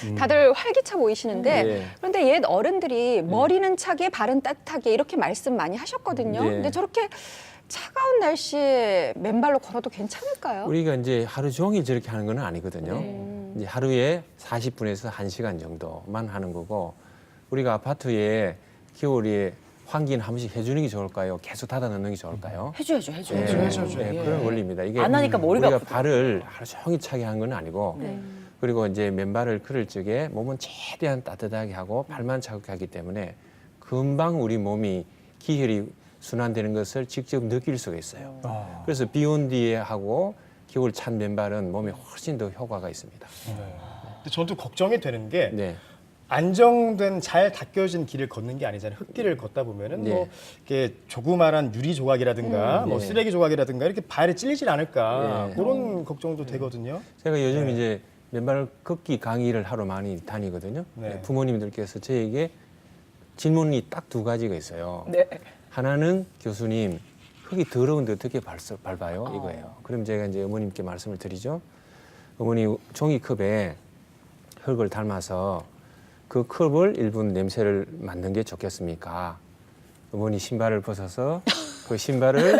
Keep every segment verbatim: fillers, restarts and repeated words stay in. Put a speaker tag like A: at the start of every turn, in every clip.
A: 다들 활기차 보이시는데
B: 네.
A: 그런데 옛 어른들이 머리는 차게 발은 따뜻하게 이렇게 말씀 많이 하셨거든요.
B: 네.
A: 근데 저렇게 차가운 날씨에 맨발로 걸어도 괜찮을까요?
B: 우리가 이제 하루 종일 저렇게 하는 건 아니거든요.
A: 네.
B: 이제 하루에 사십 분에서 한 시간 정도만 하는 거고, 우리가 아파트에 겨울에 환기는 한 번씩 해주는 게 좋을까요? 계속 닫아 놓는 게 좋을까요?
C: 해줘야죠, 해줘야죠.
B: 네,
D: 해줘야죠.
B: 네,
C: 예.
B: 그런 원리입니다. 이게
C: 안 하니까 머리가
B: 우리가
C: 아프고.
B: 발을 하루 종일 차게 한 건 아니고,
C: 네.
B: 그리고 이제 맨발을 걸을 적에 몸은 최대한 따뜻하게 하고 발만 차갑게 하기 때문에 금방 우리 몸이 기혈이 순환되는 것을 직접 느낄 수가 있어요.
D: 아.
B: 그래서 비 온 뒤에 하고 겨울 찬 맨발은 몸에 훨씬 더 효과가 있습니다.
D: 근데 저는 또 걱정이 되는 게
B: 네.
D: 안정된 잘 닦여진 길을 걷는 게 아니잖아요. 흙길을 걷다 보면은
B: 네.
D: 뭐 이렇게 조그마한 유리 조각이라든가
B: 음,
D: 뭐
B: 네.
D: 쓰레기 조각이라든가 이렇게 발에 찔리질 않을까
B: 네.
D: 그런 걱정도 되거든요.
B: 제가 요즘
D: 네.
B: 이제 맨발 걷기 강의를 하러 많이 다니거든요.
D: 네.
B: 부모님들께서 저에게 질문이 딱 두 가지가 있어요.
C: 네.
B: 하나는 교수님, 흙이 더러운데 어떻게 발, 밟아요? 이거예요. 그럼 제가 이제 어머님께 말씀을 드리죠. 어머니 종이컵에 흙을 담아서 그 컵을 일 분 냄새를 맡는 게 좋겠습니까? 어머니 신발을 벗어서 그 신발을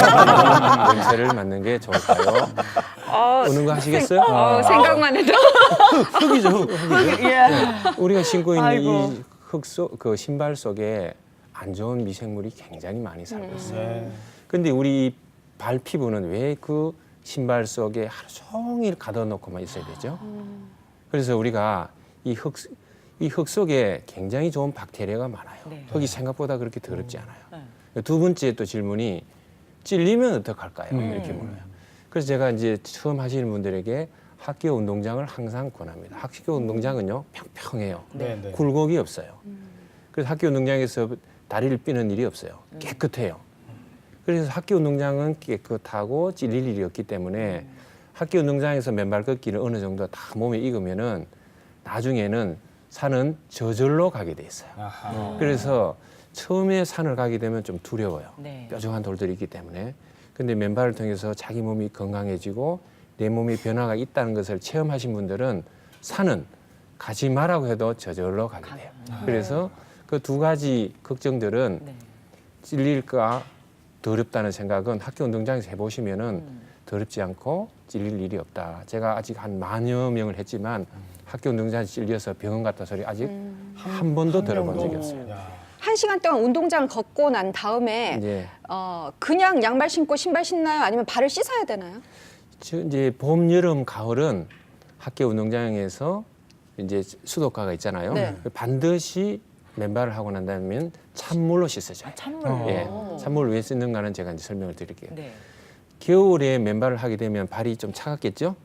B: 냄새를 맡는 게 좋을까요?
A: 어,
B: 오는 거 하시겠어요?
A: 어, 생각만 해도
B: 흙이죠, 흙, 흙이죠.
C: 예.
B: 우리가 신고 있는
C: 아이고.
B: 이 흙 속, 그 신발 속에 안 좋은 미생물이 굉장히 많이 살고 있어요.
D: 네.
B: 근데 우리 발 피부는 왜 그 신발 속에 하루 종일 가둬놓고만 있어야 되죠? 그래서 우리가 이 흙, 이 흙 속에 굉장히 좋은 박테리아가 많아요.
C: 네.
B: 흙이 생각보다 그렇게 더럽지 않아요.
C: 네.
B: 두 번째 또 질문이 찔리면 어떡할까요?
D: 음.
B: 이렇게 물어요. 그래서 제가 이제 처음 하시는 분들에게 학교 운동장을 항상 권합니다. 학교 운동장은요, 평평해요.
D: 네, 네.
B: 굴곡이 없어요. 그래서 학교 운동장에서 다리를 삐는 일이 없어요. 깨끗해요. 그래서 학교 운동장은 깨끗하고 찔릴 일이 없기 때문에 학교 운동장에서 맨발 걷기를 어느 정도 다 몸에 익으면은 나중에는 산은 저절로 가게 돼 있어요.
D: 아하.
B: 그래서 처음에 산을 가게 되면 좀 두려워요.
C: 네.
B: 뾰족한 돌들이 있기 때문에. 근데 맨발을 통해서 자기 몸이 건강해지고 내 몸에 변화가 있다는 것을 체험하신 분들은 산은 가지 마라고 해도 저절로 가게 돼요. 그래서 그 두 가지 걱정들은
C: 네.
B: 찔릴까 더럽다는 생각은 학교 운동장에서 해보시면은 더럽지 않고 찔릴 일이 없다. 제가 아직 한 만여 명을 했지만 학교 운동장에서 찔려서 병원 갔다 소리 아직 한 번도 들어본 적이 없어요.
D: 야.
A: 한 시간 동안 운동장을 걷고 난 다음에
B: 이제
A: 어, 그냥 양말 신고 신발 신나요? 아니면 발을 씻어야 되나요?
B: 저 이제 봄, 여름, 가을은 학교 운동장에서 이제 수도가가 있잖아요.
A: 네.
B: 반드시 맨발을 하고 난 다음에 찬물로 씻어줘요.
C: 찬물.
B: 예, 찬물을 왜 쓰는가는 제가 이제 설명을 드릴게요.
C: 네.
B: 겨울에 맨발을 하게 되면 발이 좀 차갑겠죠?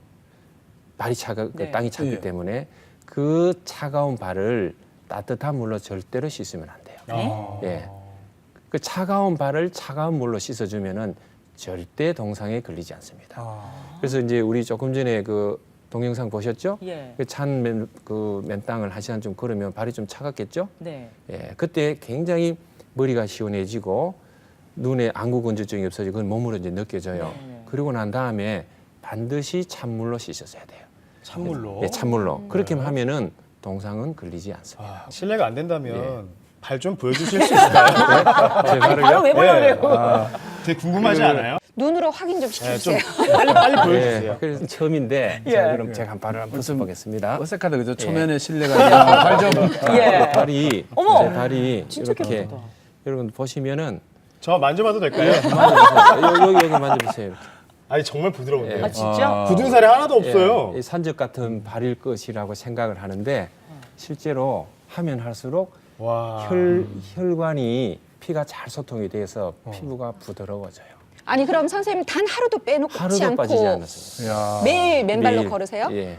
B: 발이 차가, 그
C: 네.
B: 땅이 차기
D: 예.
B: 때문에 그 차가운 발을 따뜻한 물로 절대로 씻으면 안 돼요.
D: 아.
B: 예. 그 차가운 발을 차가운 물로 씻어주면은 절대 동상에 걸리지 않습니다.
D: 아.
B: 그래서 이제 우리 조금 전에 그 동영상 보셨죠?
C: 예.
B: 그 찬 맨, 그 맨땅을 한 시간 좀 걸으면 발이 좀 차갑겠죠?
C: 네.
B: 예. 그때 굉장히 머리가 시원해지고 눈에 안구 건조증이 없어지고 그건 몸으로 이제 느껴져요.
C: 네.
B: 그리고 난 다음에 반드시 찬물로 씻었어야 돼요.
D: 찬물로.
B: 예, 찬물로.
C: 음.
B: 그렇게
D: 네.
B: 하면은 동상은 걸리지 않습니다.
D: 아, 실례가 안 된다면
B: 예.
D: 발 좀 보여주실 수 있을까요?
B: 제
C: 아니,
B: 발을요?
C: 바로 왜 보여요?
D: 예. 아, 되게 궁금하지 않아요?
A: 눈으로 확인 좀
D: 네,
A: 시켜주세요.
D: 좀 빨리 빨리 보여주세요.
B: 예, 그래서 처음인데
C: 예.
B: 자, 그럼 제가 한 발을 한번 써보겠습니다.
E: 어색하다 그죠? 초면에 실내가 아니라 발좀
C: 예.
B: 발이
C: 어머!
B: 제 발이
C: 진짜
B: 이렇게
C: 깨끗하다.
B: 여러분 보시면은
D: 저 만져봐도 될까요?
B: 만져보세요. 여기, 여기 만져보세요. 이렇게.
D: 아니 정말 부드러운데요.
B: 예.
C: 아, 진짜?
D: 굳은 살이 하나도 없어요.
B: 예, 이 산적 같은 발일 것이라고 생각을 하는데 실제로 하면 할수록
D: 와.
B: 혈, 혈관이 피가 잘 소통이 돼서
D: 어.
B: 피부가 부드러워져요.
A: 아니 그럼 선생님 단 하루도 빼놓지
B: 하루도
A: 않고
B: 빠지지 않았어요.
E: 야.
A: 매일 맨발로
B: 매일,
A: 걸으세요?
B: 예.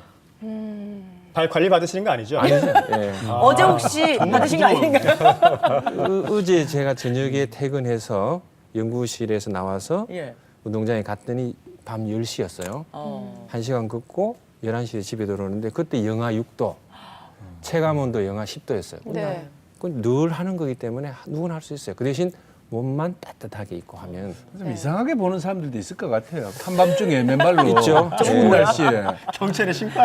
D: 발 관리 받으시는 거 아니죠?
B: 아니죠. 예.
C: 어제 혹시 받으신 거 아닌가요?
B: 어, 어제 제가 저녁에 퇴근해서 연구실에서 나와서
C: 예.
B: 운동장에 갔더니 밤 열 시였어요.
C: 어.
B: 한 시간 걷고 열한 시에 집에 들어오는데 그때 영하 육 도, 체감온도 영하 십 도였어요.
A: 네.
B: 그건 늘 하는 거기 때문에 누구나 할 수 있어요. 그 대신 몸만 따뜻하게 입고 하면
E: 좀 이상하게 보는 사람들도 있을 것 같아요. 한밤중에 맨발로
B: 있죠.
E: 추운
B: 네.
E: 날씨에.
D: 경찰의 심판.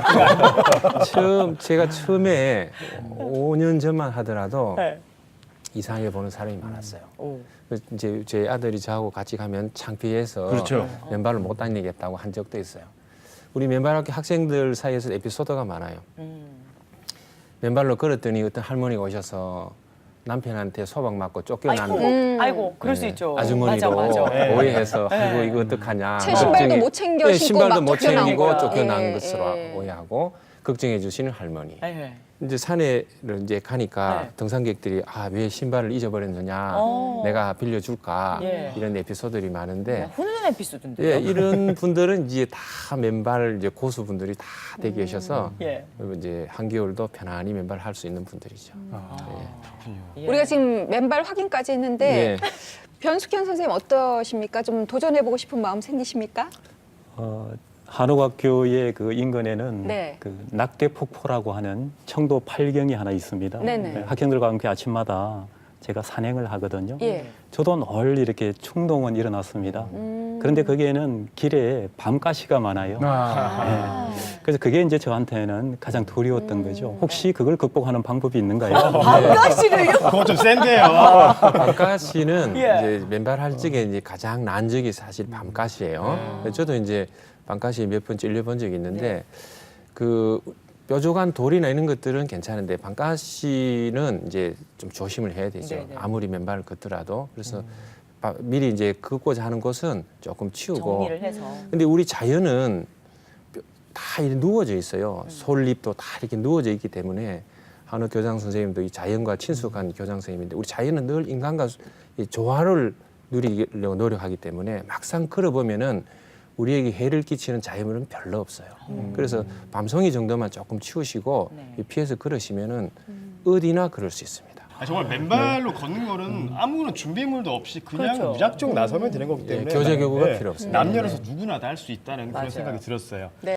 B: 처음 제가 처음에 오 년 전만 하더라도
C: 네.
B: 이상하게 보는 사람이 많았어요.
C: 오.
B: 그래서 이제 제 아들이 저하고 같이 가면 창피해서
E: 그렇죠.
B: 맨발로 못 다니겠다고 한 적도 있어요. 우리 맨발학교 학생들 사이에서 에피소드가 많아요.
C: 음.
B: 맨발로 걸었더니 어떤 할머니가 오셔서 남편한테 소박 맞고 쫓겨난
C: 아이고,
A: 음.
C: 아이고, 그럴 수
B: 네,
C: 있죠.
B: 아주머니로
C: 맞아, 맞아.
D: 네.
B: 오해해서
C: 네.
B: 아이고 이거 어떡하냐.
A: 새 신발도
B: 걱정이-
A: 못 챙겨
B: 네,
A: 신고
B: 신발도
A: 막
B: 못
A: 쫓겨난
B: 챙기고
A: 거야.
B: 쫓겨난
A: 예,
B: 것으로
A: 예.
B: 오해하고 걱정해 주시는 할머니.
C: 네.
B: 이제 산에를 이제 가니까
C: 네.
B: 등산객들이 아 왜 신발을 잊어버렸느냐,
C: 어.
B: 내가 빌려줄까
C: 예.
B: 이런 에피소드들이 많은데
C: 훈훈한 에피소드인데요.
B: 예, 이런 분들은 이제 다 맨발 이제 고수분들이 다 되어 계셔서
C: 예.
B: 이제 한겨울도 편안히 맨발 할 수 있는 분들이죠.
C: 예.
A: 우리가 지금 맨발 확인까지 했는데
B: 예.
A: 변숙현 선생님 어떠십니까? 좀 도전해보고 싶은 마음 생기십니까?
F: 어, 한옥학교의 그 인근에는
A: 네.
F: 그 낙대 폭포라고 하는 청도 팔경이 하나 있습니다.
A: 네네.
F: 네, 학생들과 함께 아침마다 제가 산행을 하거든요.
A: 예.
F: 저도 늘 이렇게 충동은 일어났습니다.
A: 음.
F: 그런데 거기에는 길에 밤가시가 많아요.
E: 아.
F: 네. 그래서 그게 이제 저한테는 가장 두려웠던 거죠.
A: 네.
F: 혹시 그걸 극복하는 방법이 있는가요?
C: 밤가시를요?
D: 그거 좀 센데요.
B: 밤가시는
C: 예.
B: 이제 맨발 할 적에 이제 가장 난 적이 사실 밤가시예요. 저도 이제 밤가시 몇 번 찔려본 적이 있는데 그 뾰족한 돌이나 이런 것들은 괜찮은데 밤가시는 이제 좀 조심을 해야 되죠.
C: 네네.
B: 아무리 맨발을 걷더라도. 그래서 바- 미리 이제 걷고자 하는 곳은 조금 치우고.
C: 정리를 해서.
B: 근데 우리 자연은 뼈- 다 이렇게 누워져 있어요. 솔잎도 다 이렇게 누워져 있기 때문에 한우 교장 선생님도 이 자연과 친숙한 교장 선생님인데 우리 자연은 늘 인간과 이 조화를 누리려고 노력하기 때문에 막상 걸어보면은 우리에게 해를 끼치는 자연은 별로 없어요. 그래서 밤송이 정도만 조금 치우시고
C: 네.
B: 피해서 걸으시면은 어디나 걸을 수 있습니다.
D: 아, 정말 맨발로 걷는 거는 아무런 준비물도 없이 그냥
C: 그렇죠.
D: 무작정 나서면 되는 거기 때문에
B: 예, 교재 교구가
D: 네,
B: 필요 없습니다.
D: 남녀노소 누구나 다 할 수 있다는
C: 맞아요.
D: 그런 생각이 들었어요.